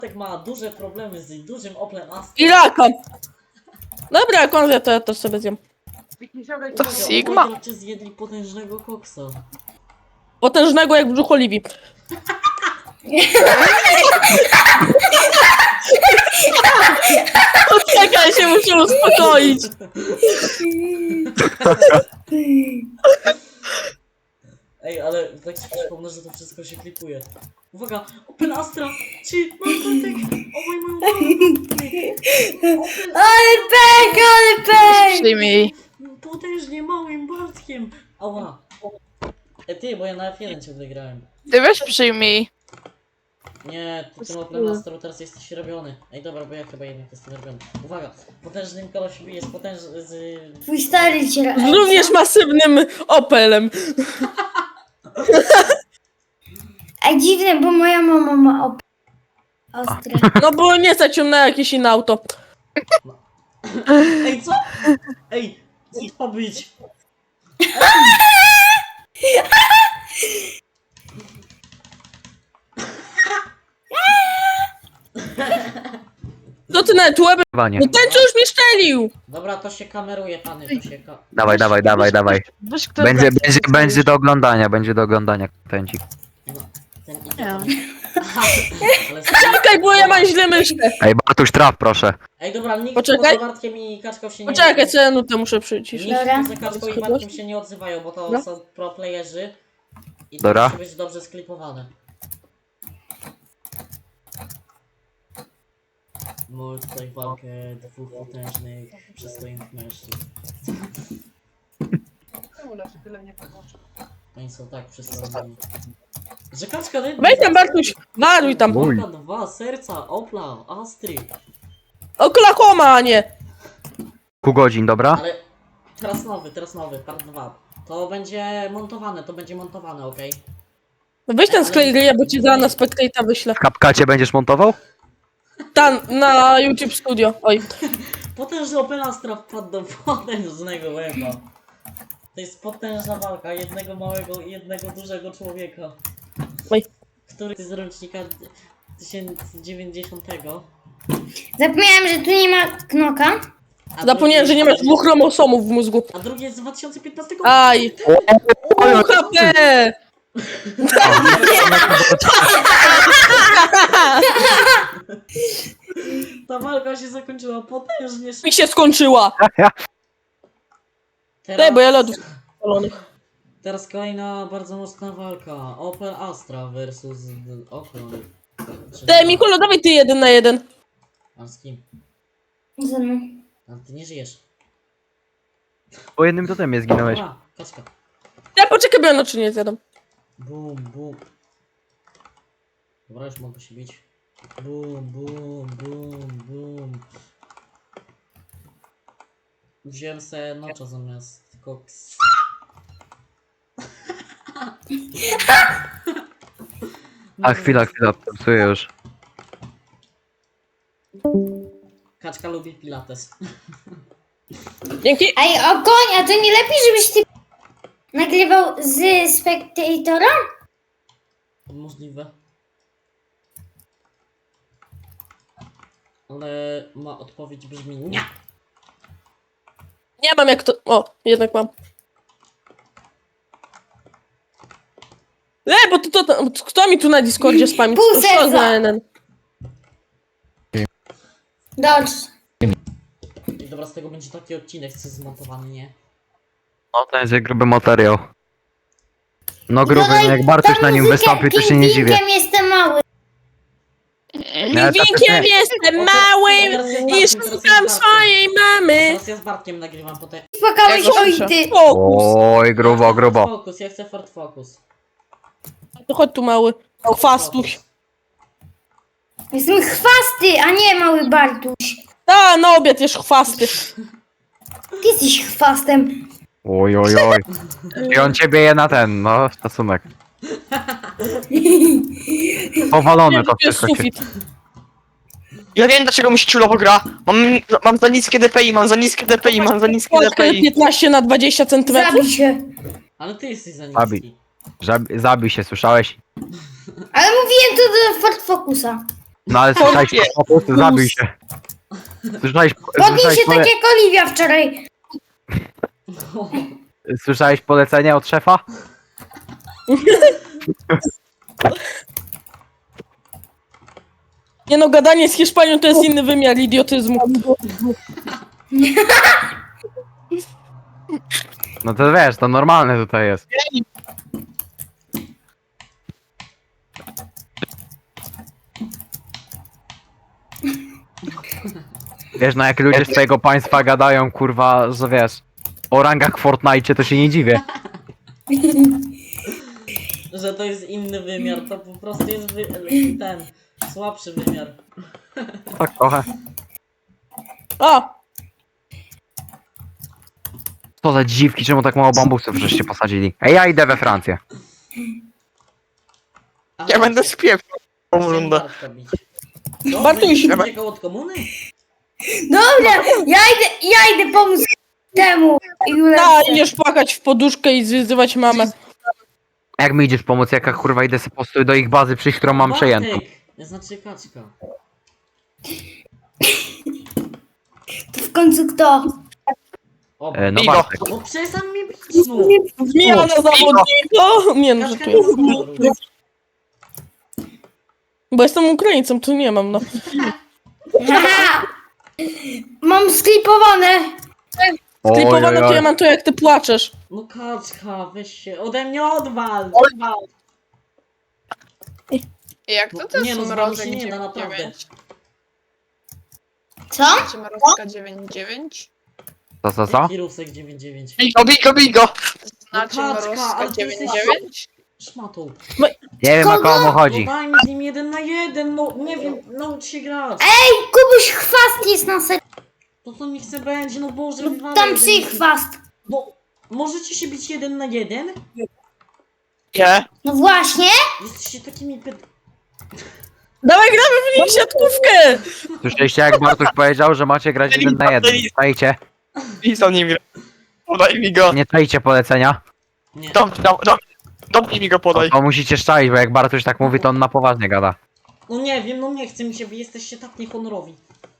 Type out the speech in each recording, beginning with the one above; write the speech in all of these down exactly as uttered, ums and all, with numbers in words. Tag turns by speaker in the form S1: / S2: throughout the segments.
S1: Tak ma duże problemy z dużym Oplem Astra.
S2: I raka. Dobra, jak on wie, to ja też sobie zjem.
S3: To Sigma.
S1: Czy zjedli potężnego koksa?
S2: Potężnego jak brzuch Oliwii. Poczekaj, się muszę uspokoić.
S1: Ej, ale tak ci przypomnę, że to wszystko się klipuje. Uwaga, Open Astra! Czy mam kotek? O mój mój
S4: Ale pek, ale pek!
S3: Przyjmij.
S1: potężnie małym Bartkiem! Ała! E ty, bo ja na F jeden ciągle grałem.
S3: Ty weź przyjmij.
S1: Nie, ty tym Open Astra teraz jesteś robiony. Ej dobra, bo ja chyba jednak jestem robiony. Uwaga, potężnym kolosiem jest potężny z...
S4: Twój stary cię...
S2: Z również masywnym Opelem.
S4: A dziwne, bo moja mama ma op... Ostre.
S2: No bo nie stać ją na jakieś inne auto.
S1: Ej, co? Ej, co to ma być?
S2: Co ty nawet łebem?
S5: Wanie.
S2: No ten co już mnie szczelił!
S1: Dobra, to się kameruje, pany, to się ka...
S5: Dawaj, dawaj, dawaj, dawaj.
S3: Weź kto
S5: Będzie, będzie, będzie do oglądania, będzie do oglądania pędzik.
S1: No, ten idzie
S3: Nie.
S1: tam. Ale
S2: Czekaj, bo ja mam źle myszkę.
S5: Ej, Bartuś, traf proszę.
S1: Ej, dobra, nikt
S2: Poczekaj.
S1: poza Bartkiem i Kaczką się nie...
S2: Poczekaj, co ja nutę muszę przyciszyć.
S1: Nikt
S4: Dobra.
S1: poza Kaczką i Bartkiem się nie odzywają, bo to
S2: Dobra.
S1: są pro playerzy. I to
S5: Dobra.
S1: musi być dobrze sklipowane. Mamy tutaj walkę dwóch potężnych, przystojnych mężczyzn. Oni są tak przystojni. Że Kaczka...
S2: Weź tam, Bartuś, waruj tam.
S5: Mój.
S1: Walka dwa, serca, Opla, Astry.
S2: Oklahoma, a nie.
S5: Pół godzin, dobra?
S1: Ale teraz nowy, teraz nowy, part dwa. To będzie montowane, to będzie montowane, okej?
S2: Weź ten sklej gry, bo ci za na Spectate'a wyślę.
S5: W Kapkacie będziesz montował?
S2: Tam, na YouTube Studio. Oj.
S1: Potężny Opel Astra wpadł do potężnego weba. To jest potężna walka jednego małego i jednego dużego człowieka.
S2: Oj.
S1: Który z rocznika tysiąc dziewięćdziesiątego.
S4: Zapomniałem, że tu nie ma knoka.
S1: a
S2: Zapomniałem, że
S1: drugi-
S2: nie masz dwóch chromosomów w mózgu.
S1: A drugi jest z dwa tysiące piętnastego.
S2: Aj. Pół H P!
S1: Ta walka się zakończyła potężnie szybko.
S2: Mi się skończyła.
S1: Teraz,
S2: Daj, bo ja lodów spalonych.
S1: teraz kolejna bardzo mocna walka. Opel Astra versus Opel.
S2: Daj, Mikolo, dawaj ty jeden na jeden.
S1: A z kim?
S4: Ze mną.
S1: A ty nie żyjesz.
S5: Po jednym totemie zginąłeś.
S1: Dobra, kaczka.
S2: Ja poczekaj, bo ja noczy nie zjadam.
S1: Bum, bum. Dobra, już mogę się bić. Bum, bum, bum, bum. Wziąłem se nocza zamiast koks.
S5: A chwila, chwila, psuję już.
S1: Kaczka lubi pilates.
S2: Dzięki.
S4: Ej, o koń, a to nie lepiej, żebyś ty nagrywał z Spectatora?
S1: Możliwe. Ale ma odpowiedź brzmi nie.
S2: Nie mam jak to... O, jednak mam. Le, bo to, to, to kto mi tu na Discordzie spami?
S4: Pół
S2: Co
S4: serca.
S2: za N N?
S4: Dobrze.
S1: I dobra, z tego będzie taki odcinek, co zmontowany, nie?
S5: No to jest gruby materiał. No gruby,
S4: Dodaj
S5: jak Bartuś na nim
S4: muzykę,
S5: wystąpi, to się nie dziwię.
S4: pingwinkiem jestem mały.
S5: Ja
S2: Pingwinkiem jestem małym i szukam swojej mamy.
S1: Teraz ja z Bartkiem nagrywam potem.
S4: Spłakałeś,
S3: Ja go
S4: oj
S3: słyszę.
S4: ty.
S2: Fokus.
S5: Oj, grubo, grubo.
S1: Focus, ja chcę Ford Focus.
S2: To chodź tu mały. Chwastuś.
S4: Jestem chwasty, a nie mały Bartuś.
S2: A, na obiad jesz chwasty.
S4: Ty jesteś chwastem.
S5: Oj, oj, oj. I on ciebie je na ten, no, szacunek. Powalone to
S2: To jest
S5: wszystko się.
S2: sufit.
S3: Ja wiem dlaczego mi się ciulowo gra. Mam, mam za niskie D P I, mam za niskie D P I, mam za niskie D P
S2: Polskę
S3: I.
S2: piętnaście na dwadzieścia centymetrów.
S4: Zabij się.
S1: Ale ty jesteś za
S5: Zabij.
S1: niski.
S5: Zabi- Zabij się, słyszałeś?
S4: Ale mówiłem to do Ford Focusa.
S5: No ale słyszałeś, po prostu zabił się. Słyszałeś,
S4: Podnij
S5: słyszałeś,
S4: się
S5: pole,
S4: tak jak Oliwia wczoraj.
S5: słyszałeś polecenie od szefa?
S2: Nie no, gadanie z Hiszpanią to jest inny wymiar idiotyzmu.
S5: No to wiesz, to normalne tutaj jest. Wiesz, no jak ludzie z twojego państwa gadają, kurwa, że wiesz, o rangach w Fortnite, to się nie dziwię.
S1: Że to jest inny wymiar, to po prostu jest wy... ten słabszy wymiar.
S5: Tak trochę.
S2: A,
S5: Co za dziwki, czemu tak mało bambusów żeście posadzili? Ej, ja idę we Francję.
S1: A
S3: Ja będę spieprzał tą
S1: chciałem
S3: rundę.
S1: Bartka bić. Co?
S2: Bartuś.
S1: Będziesz uciekał od komuny?
S4: Dobra, ja idę, ja idę pomóc temu.
S2: a
S4: Julce.
S2: idziesz płakać w poduszkę i zwyzywać mamę.
S5: Jak mi idziesz pomóc, jaka kurwa idę sobie po prostu do ich bazy przyjść, którą mam przejętą.
S1: Bartek! Ja znaczy kaczka.
S4: To w końcu kto?
S1: O,
S5: E, no
S3: Bigo.
S5: Bartek.
S1: no przestań mnie bić, no!
S2: Zmiana zawodnika! Nie no,
S1: Kaczka
S2: żartuję.
S1: nie znowu.
S2: Bo jestem Ukraińcem, to nie mam, no.
S4: Aha! Mam sklipowane.
S5: Oj,
S2: Klipowane
S5: oj,
S2: to
S5: oj.
S2: ja mam to, jak ty płaczesz.
S1: No kaczka, weź się, ode mnie odwal! Odwal!
S6: Jak to
S1: No,
S6: to
S1: nie
S6: jest
S1: no,
S6: mrozek
S1: znowu się nie da,
S6: dziewięć
S1: naprawdę.
S6: dziewięć?
S4: Co?
S6: Czy mrozka dziewięć dziewięć?
S5: Co, co, co?
S1: Jaki rusek dziewięć dziewięć?
S3: Bigo, bigo, bigo!
S6: Znaczy
S1: No kaczka, ale
S6: mrozka
S1: ty
S6: dziewięć
S1: jesteś-
S6: dziewięć?
S1: Szmatą.
S5: Nie wiem, o komu
S1: No
S5: chodzi.
S1: daj mi z nim jeden na jeden, no nie wiem, naucz się grać.
S4: Kubuś chwast jest na ser...
S1: To co niech se będzie, no Boże,
S4: No,
S1: wywalaj
S4: tam
S1: jeden
S4: psy
S1: na-
S4: chwast.
S1: No, możecie się bić jeden na jeden?
S3: Nie.
S4: No właśnie.
S1: Jesteście takimi ped...
S2: Dawaj, gramy w nich siatkówkę!
S5: Słyszeliście, jak Bartuś powiedział, że macie grać jeden na jeden. Czajcie,
S3: I za nim gra. Podaj mi go.
S5: nie czajcie polecenia.
S1: Nie.
S3: Dom, dom, dom. Dom mi go podaj.
S5: To musicie szczaić, bo jak Bartuś tak mówi, to on na poważnie gada.
S1: No nie wiem, no nie chce mi się, wy jesteście tak niehonorowi.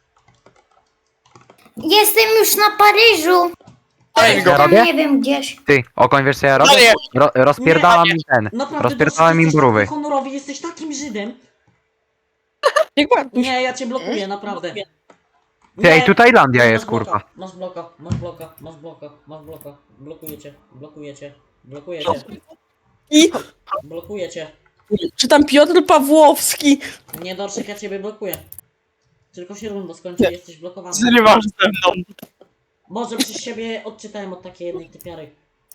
S4: Jestem już na Paryżu.
S3: Daj mi go.
S5: Ja
S4: Tam
S5: robię?
S4: nie wiem gdzieś.
S5: Ty, Okoń, wiesz co ja robię?
S3: Daję.
S5: Ro rozpierdalam im ten.
S1: Naprawdę,
S5: Rozpierdalałem
S1: Dorszy,
S5: im
S1: jesteś
S5: brówy.
S1: tak honorowy, jesteś takim Żydem.
S2: Jak Bartuś.
S1: Nie, ja cię blokuję, naprawdę.
S5: Ty, ej, tu Tajlandia
S1: Masz
S5: jest,
S1: bloka,
S5: kurwa.
S1: Masz bloka, masz bloka, masz bloka, masz bloka. Blokuję cię, blokuję cię, blokuję cię,
S2: I
S1: blokuję cię.
S2: czy tam Piotr Pawłowski?
S1: Nie, Dorszek, ja ciebie blokuję. Tylko się runda skończy, jesteś blokowany.
S3: Zrywasz ze mną.
S1: Może przez siebie odczytałem od takiej jednej typiary.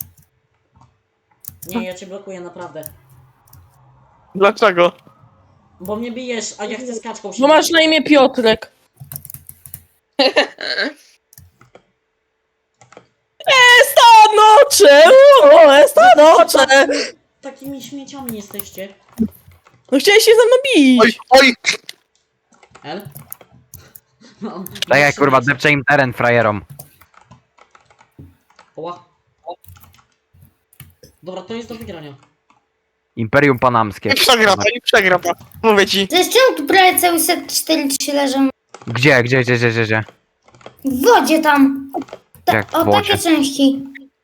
S1: Nie, ja cię blokuję, naprawdę.
S3: Dlaczego?
S1: Bo mnie bijesz, a ja chcę z kaczką się
S2: Bo masz
S1: bić.
S2: na imię Piotrek. Esta noche! O, esta noche!
S1: Takimi śmieciami jesteście.
S2: No chciałeś się ze mną bić.
S3: Oj, oj!
S1: El? Mam.
S5: Tak jak kurwa, depcze im teren frajerom.
S1: Oła. Dobra, to jest do wygrania.
S5: Imperium Panamskie.
S3: Nie przegram, nie przegram. Mówię ci.
S4: Zresztą tu prawie cały set cztery trzy leżą.
S5: Gdzie, gdzie, gdzie, gdzie, gdzie, gdzie?
S4: W wodzie tam. Ta,
S5: Jak w
S4: o
S5: wodzie?
S4: takie części.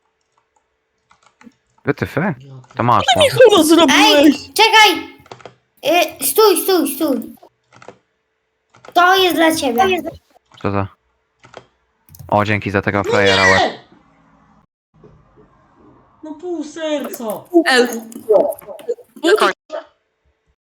S5: Wytyfy?
S1: Ja,
S5: To masz, no.
S2: Chulo zrobiłeś.
S4: Ej, czekaj! Y, stój, stój, stój. To jest dla ciebie.
S5: Co za... O, dzięki za tego frajera, łeb.
S1: Nie! No pół serca.
S2: El.
S3: Koń.